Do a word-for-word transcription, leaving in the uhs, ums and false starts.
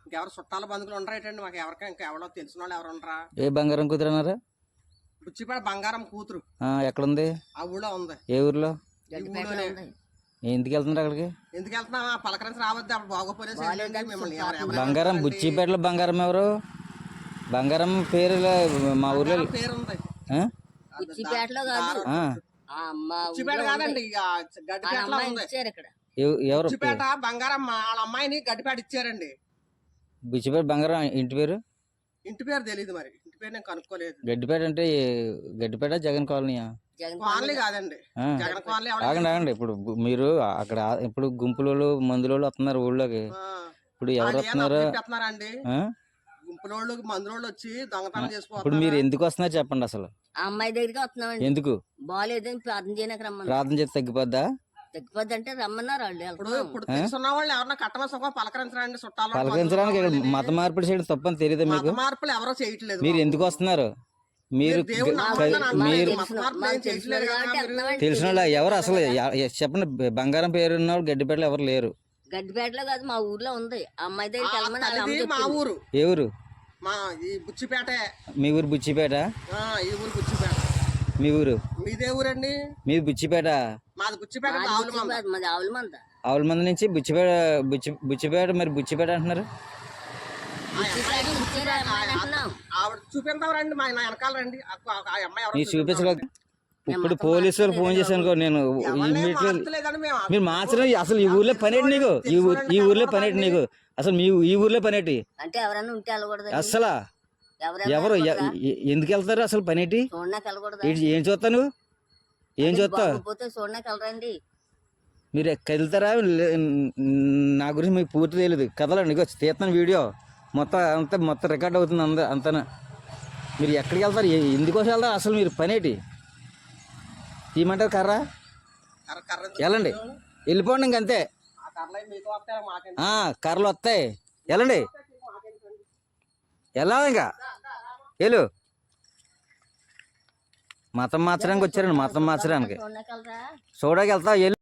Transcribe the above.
ఇంకెవరు చుట్టాల బంధువులు ఉండరేటండి మాకు ఎవరికా ఇంకా ఎవరో తెలిసిన వాళ్ళు ఎవరు ఉండరా? ఏ బంగారం కూతురు అన్నారు? బుచ్చిపేట బంగారం కూతురు. ఎక్కడుంది? ఆ ఊళ్ళో ఉంది. ఏ ఊర్లో? ఊళ్ళోనే. ఎందుకు వెళ్తున్నారు అక్కడికి? ఎందుకు వెళ్తున్నా పలకరించి రావద్దు అప్పుడు బాగోపోలేదు మిమ్మల్ని. బంగారం బుచ్చిపేటలో బంగారం ఎవరు? బంగారం పేరు మా ఊర్లో పేరు ఉంది. బుచ్చిపేటలో కాదు, బుచ్చిపేట కాదండి, గడ్డిపేటలో ఉంది. ఎవరు? బుచ్చిపేట బంగారం వాళ్ళ అమ్మాయిని గడ్డిపేట ఇచ్చారండి. బుచ్చిపేట బంగారం ఇంటి పేరు? ఇంటి పేరు తెలియదు మరి, ఇంటి పేరు నేను కనుక్కోలేదు. గడ్డిపేట అంటే గడ్డిపేట జగన్ కాలనీయా? కాలనీ కాదండి, జగన్ కాలనీ. ఆగండి ఆగండి, ఇప్పుడు మీరు అక్కడ ఇప్పుడు గుంపులోళ్ళు మందులోళ్ళు వస్తున్నారు ఊళ్ళోకి, ఇప్పుడు ఎవరు వస్తున్నారు? అండి గుంపులోళ్ళు మందులోళ్ళు వచ్చి దొంగతనం చేసుకోవాలి. ఇప్పుడు మీరు ఎందుకు వస్తున్నారు చెప్పండి అసలు? అమ్మాయి దగ్గరికి వస్తున్నామండి. ఎందుకు? బాగాలేదని ప్రార్థన చేయడానికి రమ్మని. ప్రార్థన చేస్తే తగ్గిపోద్దా? తగ్గిపోద్ది అంటే రమ్మన్నారు వాళ్ళు. ఇప్పుడు ఇప్పుడు తెలుసున్న వాళ్ళు ఎవరన్నా కట్టమ సుఖం పలకరించరండి చుట్టాలు. పలకరించడానికి మత మార్పిడి చేయడం తప్పని తెలియదు మీకు? మార్పులు ఎవరో చేయట్లేదు. మీరు ఎందుకు వస్తున్నారు? మీరు మీరు తెలిసిన వాళ్ళు ఎవరు అసలు చెప్పండి? బంగారం పేరున్న గడ్డిపేటలో ఎవరు లేరు. గడ్డిపేటలో కాదు, మా ఊర్లో ఉంది. అమ్మాయి దగ్గరికి వెళ్ళమని. మా ఊరు. ఏ ఊరు? మా ఈ బుచ్చిపేట. మీ ఊరు బుచ్చిపేట? ఈ ఊరు బుచ్చిపేట. మీ ఊరు? మీదే ఊరండి? మీది బుచ్చిపేట? మాది బుచ్చిపేట. మాది ఆవులమంద. ఆవులమంద నుంచి బుచ్చిపేట. బుచ్చి బుచ్చిపేట మరి బుచ్చిపేట అంటున్నారు? చూపిస్తారండి మా వెనకాల రండి. మీరు చూపించలేదు. ఇప్పుడు పోలీసు వాళ్ళు ఫోన్ చేశాను నేను, మీరు మార్చడం అసలు ఈ ఊర్లో పనేటి నీకు? ఈ ఊర్లో పనేటి నీకు అసలు? మీ ఈ ఊర్లో పనేటి అంటే ఎవరైనా ఉంటే వెళ్ళకూడదు అసలు? ఎవరు ఎందుకు వెళ్తారు అసలు? పనేటి ఏం చూస్తాను? ఏం చూస్తావు? చూడడానికి వెళ్ళరండి. మీరు వెళ్తారా? నా గురించి మీకు పూర్తి తెలియదు. కదలండి, ఇక తీస్తాను వీడియో మొత్తం అంతా మొత్తం రికార్డ్ అవుతుంది అంత అంతనా. మీరు ఎక్కడికి వెళ్తారు? ఎందుకోసం వెళ్తారు అసలు? మీరు పనేటి తీయమంటారు? కర్ర వెళ్ళండి, వెళ్ళిపోండి ఇంకంతే. కర్రలు వస్తాయి, వెళ్ళండి. వెళ్ళాలి ఇంకా వెళ్ళు. మతం మార్చడానికి వచ్చారండి, మతం మార్చడానికి. చూడడానికి వెళ్తా.